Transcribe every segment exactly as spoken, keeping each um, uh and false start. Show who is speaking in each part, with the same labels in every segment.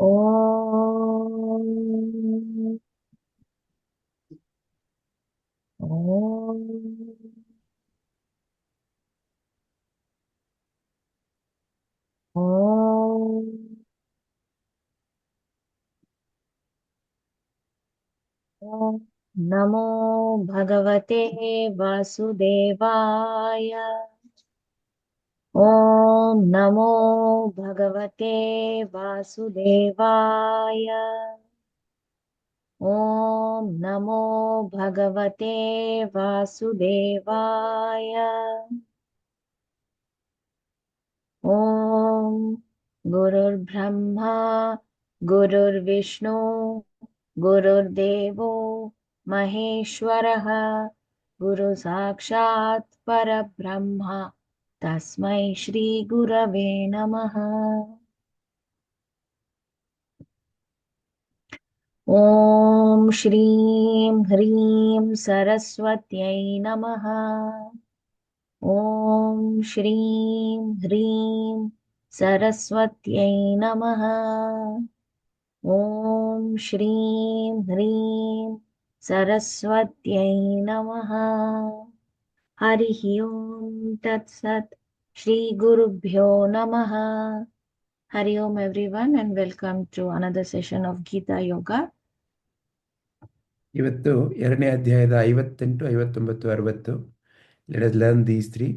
Speaker 1: ॐ ॐ ॐ ॐ नमो भगवते वासुदेवाय। ॐ नमो भगवते वासुदेवाय। ॐ नमो भगवते वासुदेवाय। ॐ गुरुर्ब्रह्मा गुरुर्विष्णु गुरुर्देवो महेश्वरः गुरुसाक्षात् परब्रह्म तस्मै श्रीगुरवे नमः। ॐ श्रीं ह्रीं सरस्वत्यै नमः। ॐ श्रीं ह्रीं सरस्वत्यै नमः। ॐ श्रीं ह्रीं सरस्वत्यै नमः। हरिः ओम् तत्सत्। श्रीगुरुभ्यो नमः। Hari Om everyone and welcome to another session of Gita Yoga.
Speaker 2: ಇವತ್ತು ಎರಡನೇ ಅಧ್ಯಾಯದ ಐವತ್ತೆಂಟು ಐವತ್ತೊಂಬತ್ತು ಅರವತ್ತು. Let us learn these three.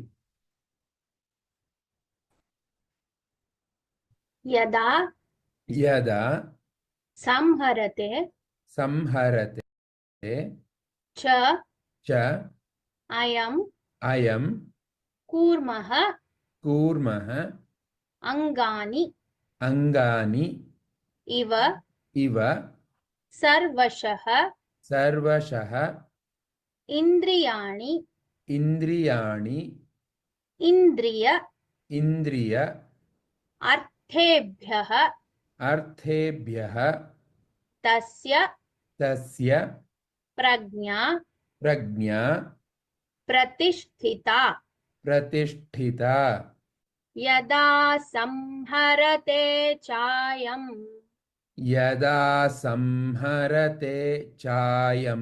Speaker 1: Yada
Speaker 2: ಯದಾ
Speaker 1: samharate
Speaker 2: ಸಂಹರತೆ
Speaker 1: cha
Speaker 2: ಚ
Speaker 1: ayam
Speaker 2: ಅಯಂ
Speaker 1: kurmaha
Speaker 2: ಕೂರ್ಮಃ
Speaker 1: angani
Speaker 2: ಅಂಗಾನಿ
Speaker 1: iva
Speaker 2: ಇವ
Speaker 1: sarvashah
Speaker 2: ಸರ್ವಶಃ
Speaker 1: indriyani
Speaker 2: ಇಂದ್ರಿಯಾಣಿ
Speaker 1: indriya
Speaker 2: ಇಂದ್ರಿಯ
Speaker 1: arthebhyah
Speaker 2: ಅರ್ಥೇಭ್ಯಃ
Speaker 1: tasya
Speaker 2: ತಸ್ಯ
Speaker 1: prajna
Speaker 2: ಪ್ರಜ್ಞಾ
Speaker 1: pratisthita
Speaker 2: ಪ್ರತಿಷ್ಠಿತ
Speaker 1: yada samharate chayam
Speaker 2: ಯದಾ ಸಂಹರತೆ ಚಾಯಂ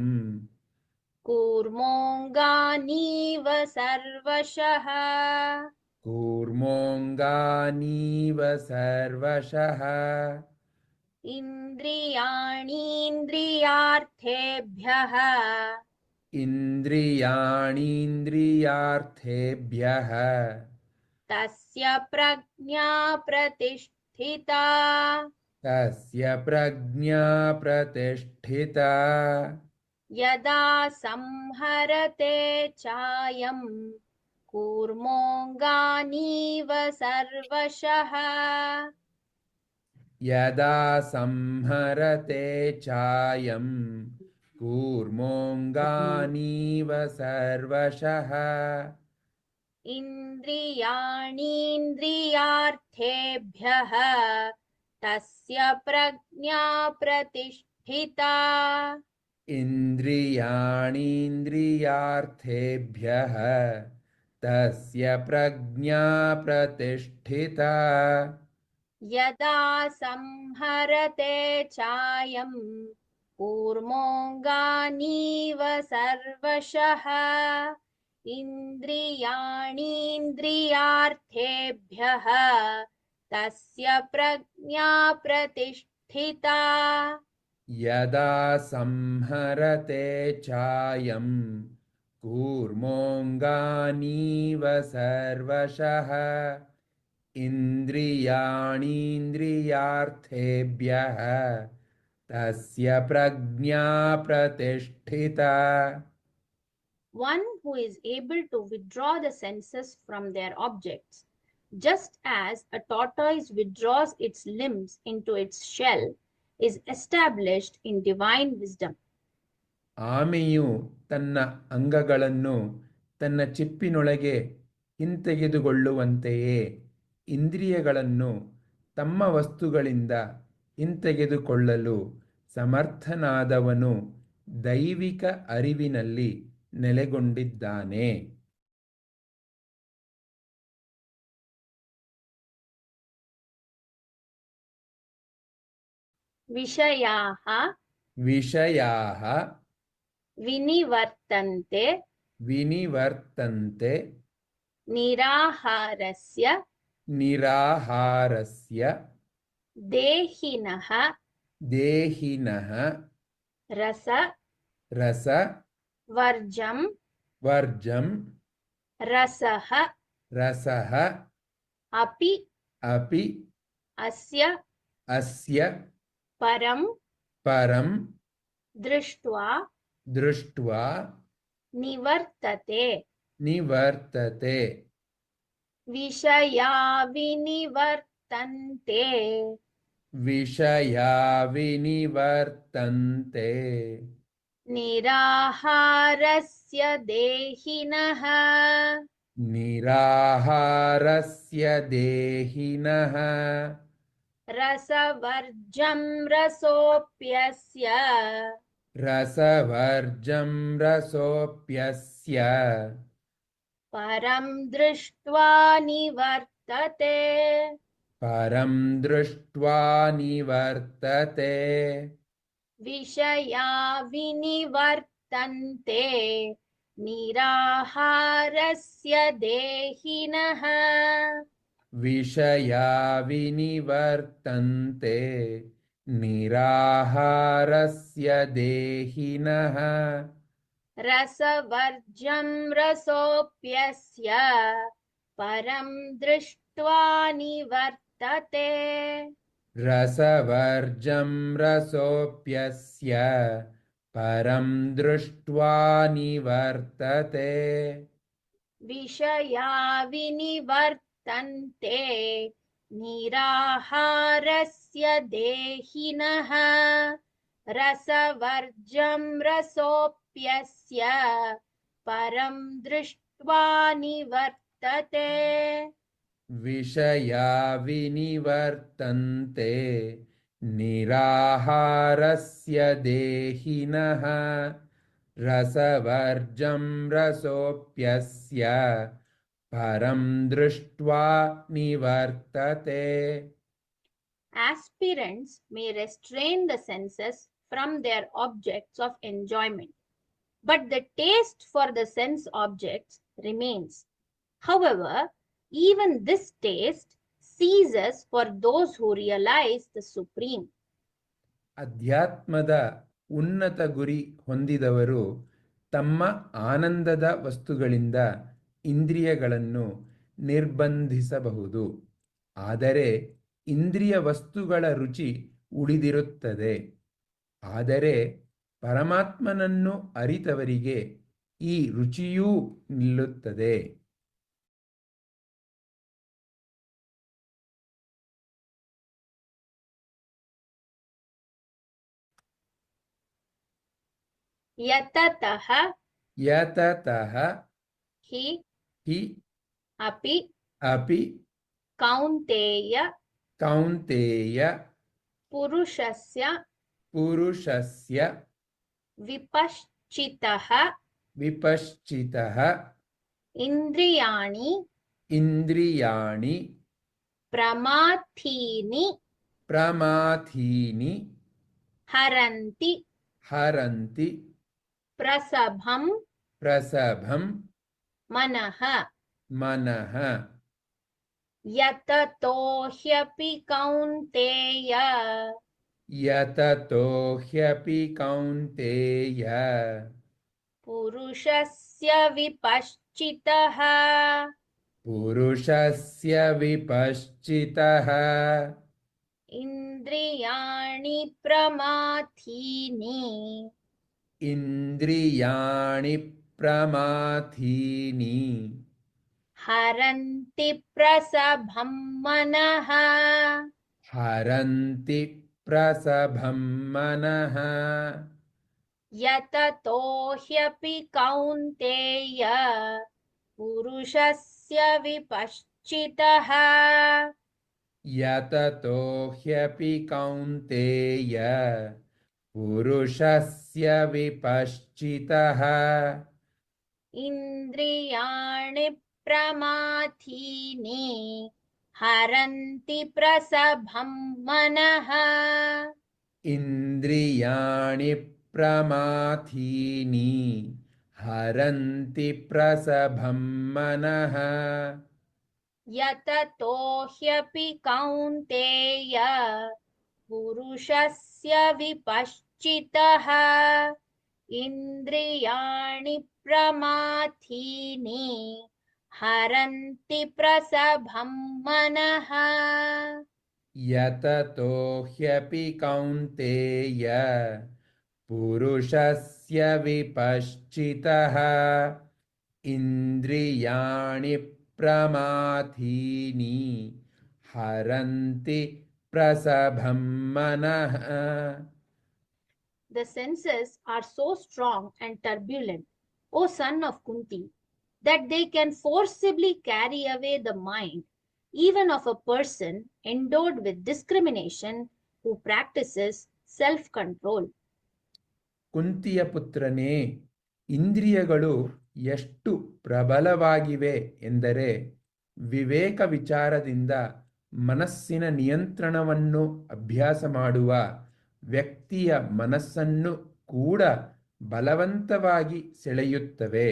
Speaker 1: ಕೂರ್ಮೋಂಗಾನೀವ ಸರ್ವಶಃ
Speaker 2: ಕೂರ್ಮೋಂಗಾನೀವ ಸರ್ವಶಃ
Speaker 1: ಇಂದ್ರಿಯಾಣೀಂದ್ರಿಯಾರ್ಥೇಭ್ಯಃ
Speaker 2: ಇಂದ್ರಿಯಾಣೀಂದ್ರಿಯಾರ್ಥೇಭ್ಯಃ
Speaker 1: ತಸ್ಯ ಪ್ರಜ್ಞಾ ಪ್ರತಿಷ್ಠಿತಾ
Speaker 2: ತಸ್ಯ ಪ್ರಜ್ಞಾ ಪ್ರತಿಷ್ಠಿತಾ
Speaker 1: ಯದಾ ಸಂಹರತೆ ಚಾಯಂ ಕೂರ್ಮೋಂಗಾನೀವ ಸರ್ವಶಃ
Speaker 2: ಯದಾ ಸಂಹರತೆ ಚಾಯಂ ಕೂರ್ಮೋಂಗಾನೀವ ಸರ್ವಶಃ
Speaker 1: ಇಂದ್ರಿಯಾಣೀಂದ್ರಿಯಾರ್ಥೇಭ್ಯಃ ತಸ್ಯ ಪ್ರಜ್ಞಾ ಪ್ರತಿಷ್ಠಿತಾ
Speaker 2: ಇಂದ್ರಿಯಾಣೀಂದ್ರಿಯಾರ್ಥೇಭ್ಯಃ ತಸ್ಯ ಪ್ರಜ್ಞಾ ಪ್ರತಿಷ್ಠಿತಾ
Speaker 1: ಯದಾ ಸಂಹರತೆ ಚಾಯಂ ಕೂರ್ಮೋಂಗಾನೀವ ಸರ್ವಶಃ ಇಂದ್ರಿಯಾಣೀಂದ್ರಿಯಾರ್ಥೇಭ್ಯಃ ತಸ್ಯ ಪ್ರಜ್ಞಾ ಪ್ರತಿಷ್ಠಿತಾ
Speaker 2: ಯದಾ ಸಂಹರತೆ ಚಾಯಂ ಕೂರ್ಮೋಂಗಾನೀವ ಸರ್ವಶಃ ಇಂದ್ರಿಯಾಣೀಂದ್ರಿಯಾರ್ಥೇಭ್ಯಃ ತಸ್ಯ ಪ್ರಜ್ಞಾ ಪ್ರತಿಷ್ಠಿತಾ.
Speaker 1: One who is able to withdraw the senses from their objects, just as a tortoise withdraws its limbs into its shell, is established in divine wisdom.
Speaker 2: ಆಮೆಯು ತನ್ನ ಅಂಗಗಳನ್ನು ತನ್ನ ಚಿಪ್ಪಿನೊಳಗೆ ಹಿಂತೆಗೆದುಕೊಳ್ಳುವಂತೆಯೇ ಇಂದ್ರಿಯಗಳನ್ನು ತಮ್ಮ ವಸ್ತುಗಳಿಂದ ಹಿಂತೆಗೆದುಕೊಳ್ಳಲು ಸಮರ್ಥನಾದವನು ದೈವಿಕ ಅರಿವಿನಲ್ಲಿ ನೆಲೆಗೊಂಡಿದ್ದಾನೆ.
Speaker 1: विषयाः
Speaker 2: विषयाः
Speaker 1: विनिवर्तन्ते
Speaker 2: विनिवर्तन्ते
Speaker 1: निराहारस्य
Speaker 2: निराहारस्य
Speaker 1: देहिनः
Speaker 2: देहिनः
Speaker 1: रस
Speaker 2: रस
Speaker 1: वर्जं
Speaker 2: वर्जं
Speaker 1: रसः
Speaker 2: रसः
Speaker 1: अपि
Speaker 2: अपि
Speaker 1: अस्य
Speaker 2: अस्य
Speaker 1: परं
Speaker 2: परं
Speaker 1: दृष्ट्वा
Speaker 2: दृष्ट्वा
Speaker 1: निवर्तते
Speaker 2: निवर्तते
Speaker 1: विषया विनिवर्तन्ते
Speaker 2: विषया विनिवर्तन्ते
Speaker 1: निराहारस्य देहिनः
Speaker 2: निराहारस्य देहिनः
Speaker 1: रसवर्जं रसोऽप्यस्य
Speaker 2: रसवर्जं रसोऽप्यस्य
Speaker 1: परं दृष्ट्वा निवर्तते
Speaker 2: परं दृष्ट्वा निवर्तते
Speaker 1: विषया विनिवर्तन्ते निराहारस्य देहिनः
Speaker 2: विषया विनिवर्तन्ते निराहारस्य देहिनः
Speaker 1: रसवर्जं रसोऽप्यस्य परं दृष्ट्वा निवर्तते
Speaker 2: रसवर्जं रसोऽप्यस्य परं दृष्ट्वा निवर्तते
Speaker 1: विषया विनिवर्तन्ते निराहारस्य देहिनः रसवर्जं रसोऽप्यस्य परं दृष्ट्वा निवर्तते
Speaker 2: विषया विनिवर्तन्ते निराहारस्य देहिनः रसवर्जं रसोऽप्यस्य परं दृष्ट्वा निवर्तते
Speaker 1: Aspirants may restrain the senses from their objects of enjoyment, but the taste for the sense objects remains. However, even this taste ceases for those who realize the Supreme.
Speaker 2: ಅಧ್ಯಾತ್ಮದ ಉನ್ನತ ಗುರಿ ಹೊಂದಿದವರು ತಮ್ಮ ಆನಂದದ ವಸ್ತುಗಳಿಂದ ಇಂದ್ರಿಯಗಳನ್ನು ನಿರ್ಬಂಧಿಸಬಹುದು, ಆದರೆ ಇಂದ್ರಿಯ ವಸ್ತುಗಳ ರುಚಿ ಉಳಿದಿರುತ್ತದೆ. ಆದರೆ ಪರಮಾತ್ಮನನ್ನು ಅರಿತವರಿಗೆ ಈ ರುಚಿಯೂ ನಿಲ್ಲುತ್ತದೆ.
Speaker 1: यततः
Speaker 2: यततः
Speaker 1: हि
Speaker 2: हि
Speaker 1: अपि
Speaker 2: अपि
Speaker 1: कौन्तेय
Speaker 2: कौन्तेय
Speaker 1: पुरुषस्य
Speaker 2: पुरुषस्य
Speaker 1: विपश्चितः
Speaker 2: विपश्चितः
Speaker 1: इन्द्रियाणि
Speaker 2: इन्द्रियाणि
Speaker 1: प्रमाथीनि
Speaker 2: प्रमाथीनि
Speaker 1: हरन्ति
Speaker 2: हरन्ति
Speaker 1: प्रसभं
Speaker 2: प्रसभं
Speaker 1: मनः
Speaker 2: मनः
Speaker 1: यततो ह्यपि कौन्तेय
Speaker 2: यततो ह्यपि कौन्तेय
Speaker 1: पुरुषस्य विपश्चितः
Speaker 2: पुरुषस्य विपश्चितः
Speaker 1: इन्द्रियाणि प्रमाथीनि
Speaker 2: इन्द्रियाणि प्रमाथीनि
Speaker 1: हरन्ति प्रसभं मनः
Speaker 2: हरन्ति प्रसभं मनः
Speaker 1: यततो ह्यपि कौन्तेय पुरुषस्य विपश्चितः
Speaker 2: यततो ह्यपि कौन्तेय पुरुषस्य विपश्चितः
Speaker 1: इन्द्रियाणि प्रमाथीनि हरन्ति प्रसभं मनः
Speaker 2: इन्द्रियाणि प्रमाथीनि हरन्ति प्रसभं मनः
Speaker 1: यततो ह्यपि कौन्तेय पुरुषस्य विपश्चितः इन्द्रियाणि प्रमाथीनि हरन्ति प्रसभं मनः
Speaker 2: यततो ह्यपि कौन्तेय पुरुषस्य विपश्चितः इन्द्रियाणि प्रमाथीनि हरन्ति प्रसभं मनः.
Speaker 1: The senses are so strong and turbulent, O son of Kunti, that they can forcibly carry away the mind even of a person endowed with discrimination who practices self-control.
Speaker 2: ಕುಂತಿಯ ಪುತ್ರನೇ, ಇಂದ್ರಿಯಗಳು ಎಷ್ಟು ಪ್ರಬಲವಾಗಿವೆ ಎಂದರೆ ವಿವೇಕ ವಿಚಾರದಿಂದ ಮನಸ್ಸಿನ ನಿಯಂತ್ರಣವನ್ನು ಅಭ್ಯಾಸ ಮಾಡುವ ವ್ಯಕ್ತಿಯ ಮನಸ್ಸನ್ನು ಕೂಡ ಬಲವಂತವಾಗಿ ಸೆಳೆಯುತ್ತವೆ.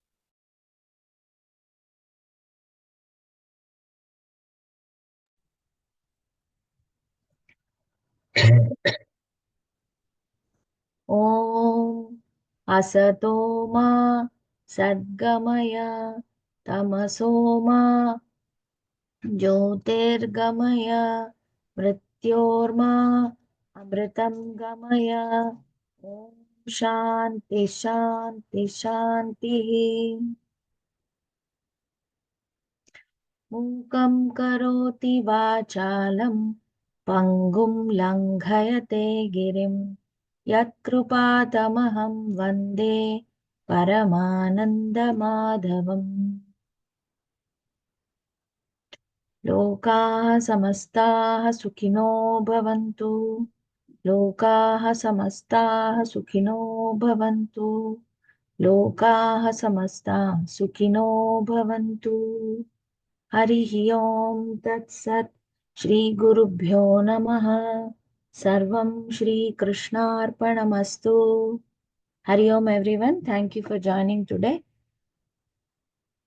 Speaker 1: ॐ असतो मा सद्गमय तमसो मा ज्योतिर्गमय मृत्योर्मा अमृतं गमय. ॐ शान्ति शान्ति शान्तिः. मूकं करोति वाचालं पङ्गुं लङ्घयते गिरिं यत्कृपातमहं वन्दे परमानन्दमाधवम्. लोकाः समस्ताः सुखिनो भवन्तु. लोकाः समस्ताः सुखिनो भवन्तु. लोकाः समस्ताः सुखिनो भवन्तु. हरिः ओम तत्सत्. श्री गुरुभ्यो नमः. सर्वं Shri कृष्णार्पणमस्तु. Hari Om everyone. Thank you for joining today.